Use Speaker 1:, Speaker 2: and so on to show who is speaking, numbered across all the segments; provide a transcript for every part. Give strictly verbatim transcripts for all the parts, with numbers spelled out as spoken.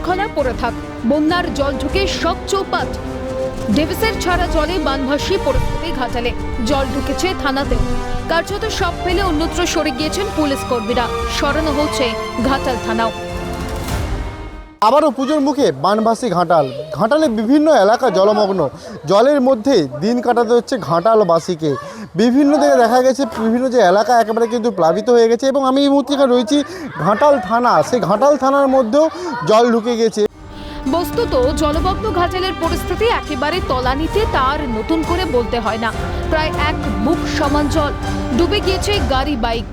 Speaker 1: জলখলা পড়ে থাক, বন্যার জল ঢুকে সব চৌপাট। ডেভিসের ছাড়া জলে বানভাসী পরিস্থিতি ঘাটালে, জল ঢুকেছে থানাতেও। কার্যত সব ফেলে অন্যত্র সরে গিয়েছেন পুলিশ কর্মীরা, সরানো হচ্ছে ঘাটাল থানাও।
Speaker 2: আবারও পুজোর মুখে বানভাসী ঘাটাল। ঘাটালে বিভিন্ন এলাকা জলমগ্ন, জলের মধ্যে দিন কাটাতে হচ্ছে ঘাটালবাসীকে। বিভিন্ন জায়গায় দেখা গেছে বিভিন্ন যে এলাকা একেবারে কিন্তু প্লাবিত হয়ে গেছে, এবং আমি এই মুহূর্তে রয়েছি ঘাটাল থানা। সেই ঘাটাল থানার মধ্যেও জল ঢুকে গেছে।
Speaker 1: বস্তুত জলমগ্ন ঘাটালের পরিস্থিতি একেবারে তলানিতে, তার নতুন করে বলতে হয় না। প্রায় এক বুক সমান জল, ডুবে গিয়েছে গাড়ি বাইক।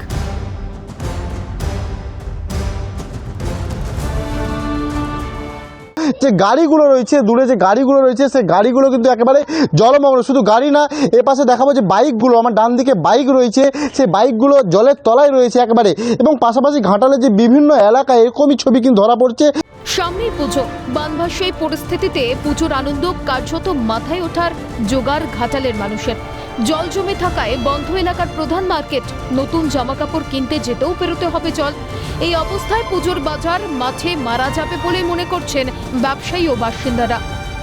Speaker 2: যে গাড়িগুলো রয়েছে, দূরে যে গাড়িগুলো রয়েছে, সেই গাড়িগুলো কিন্তু একেবারে জলমগ্ন। শুধু গাড়ি না, এ পাশে দেখাবো যে বাইকগুলো, আমার ডান দিকে বাইক রয়েছে, সেই বাইকগুলো জলের তলায় রয়েছে একেবারে। এবং পাশাপাশি ঘাটালে যে বিভিন্ন এলাকায় এরকমই ছবি কিন্তু ধরা পড়ছে।
Speaker 1: সামনেই পুজো, বানভাসী এই পরিস্থিতিতে পুজোর আনন্দ কার্যত মাথায় ওঠার জোগাড় ঘাটালের মানুষের। জল জমে থাকায় বন্ধ এলাকার প্রধান মার্কেট, নতুন জামাকাপড় কিনতে যেতেও পেরোতে হবে জল। এই অবস্থায় পুজোর বাজার মাঠে মারা যাবে বলে মনে করছেন ব্যবসায়ী ও বাসিন্দারা।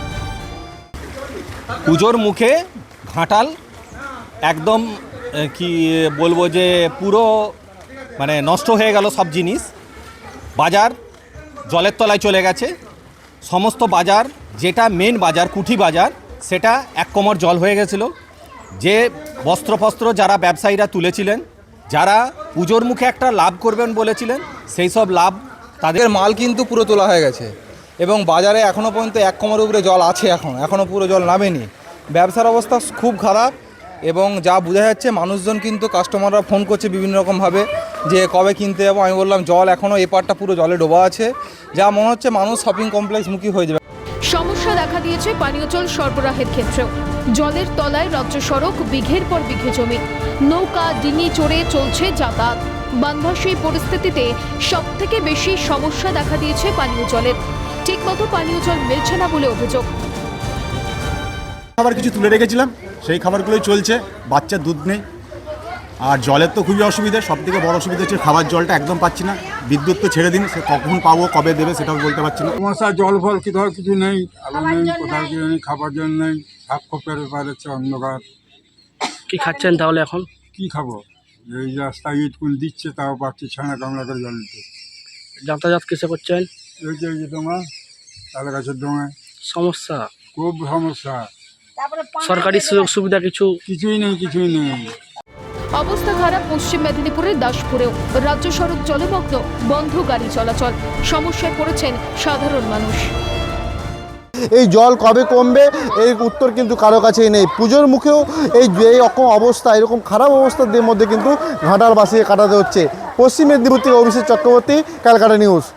Speaker 3: পুজোর মুখে ঘাটাল একদম কি বলবো যে পুরো মানে নষ্ট হয়ে গেল সব জিনিস। বাজার জলের তলায় চলে গেছে। সমস্ত বাজার, যেটা মেন বাজার কুঠি বাজার, সেটা এক কোমর জল হয়ে গেছিল। যে বস্ত্রফস্ত্র যারা ব্যবসায়ীরা তুলেছিলেন, যারা পুজোর মুখে একটা লাভ করবেন বলেছিলেন, সেই সব লাভ তাদের
Speaker 4: মাল কিন্তু পুরো তোলা হয়ে গেছে। এবং বাজারে এখনও পর্যন্ত এক কোমর উপরে জল আছে, এখন এখনও পুরো জল নামেনি। ব্যবসার অবস্থা খুব খারাপ। এবং যা বোঝা যাচ্ছে, মানুষজন কিন্তু কাস্টমাররা ফোন করছে বিভিন্ন রকমভাবে যে কবে কিনতে যাবো। আমি বললাম জল এখনও এপারটা পুরো জলে ডোবা আছে, যা মনে হচ্ছে মানুষ শপিং কমপ্লেক্স মুখী হয়ে যাবে।
Speaker 1: সমস্যা দেখা দিয়েছে পানীয় জল সরবরাহের ক্ষেত্রেও। জলের তলায় রাজ্য সড়ক, বিঘের পর বিঘে জমি, নৌকা ডিঙি চড়ে চলছে যাতায়াত। বানভাসী পরিস্থিতিতে সব থেকে বেশি সমস্যা দেখা দিয়েছে পানীয় জলের। ঠিকমতো পানীয় জল মিলছে না বলে অভিযোগ।
Speaker 5: খাবার কিছু তুলে রেখেছিলাম, সেই খাবারগুলোই চলছে। বাচ্চার দুধ নেই, আর জলের তো খুবই অসুবিধা। সব থেকে বড় অসুবিধা হচ্ছে খাবার জলটা একদম পাচ্ছি না। বিদ্যুৎ তো ছেড়ে দিন, সে কখন পাবো, কবে দেবে, সেটাও বলতে পারছি না।
Speaker 6: সমস্যা জল ফল কোথাও কিছু নেই, আলো নেই, কোথাও কিছু নেই, খাবার জল নেই, সাপ খোপের ব্যাপার হচ্ছে, অন্ধকার।
Speaker 7: কি খাচ্ছেন তাহলে এখন?
Speaker 6: কি খাবো? এই রাস্তায় ইটকুল দিচ্ছে, তাও পাচ্ছি ছানা কামলা করে জল দিতে।
Speaker 7: যাতায়াত কিসে করছেন?
Speaker 6: এই যে এই যে ডোঙা, তালে গাছের ডোঙায়
Speaker 7: সমস্যা,
Speaker 6: খুব সমস্যা।
Speaker 7: সরকারি সুযোগ সুবিধা কিছু
Speaker 6: কিছুই নেই, কিছুই নেই।
Speaker 1: অবস্থা খারাপ পশ্চিম মেদিনীপুরের দাসপুরেও। রাজ্য সড়ক জলমগ্ন, বন্ধ গাড়ি চলাচল। সমস্যায় পড়েছেন সাধারণ মানুষ।
Speaker 2: এই জল কবে কমবে, এই উত্তর কিন্তু কারো কাছেই নেই। পুজোর মুখেও এই এই রকম অবস্থা, এরকম খারাপ অবস্থার মধ্যে কিন্তু ঘাটালবাসীকে কাটাতে হচ্ছে। পশ্চিম মেদিনীপুর থেকে অভিষেক চক্রবর্তী, ক্যালকাটা নিউজ।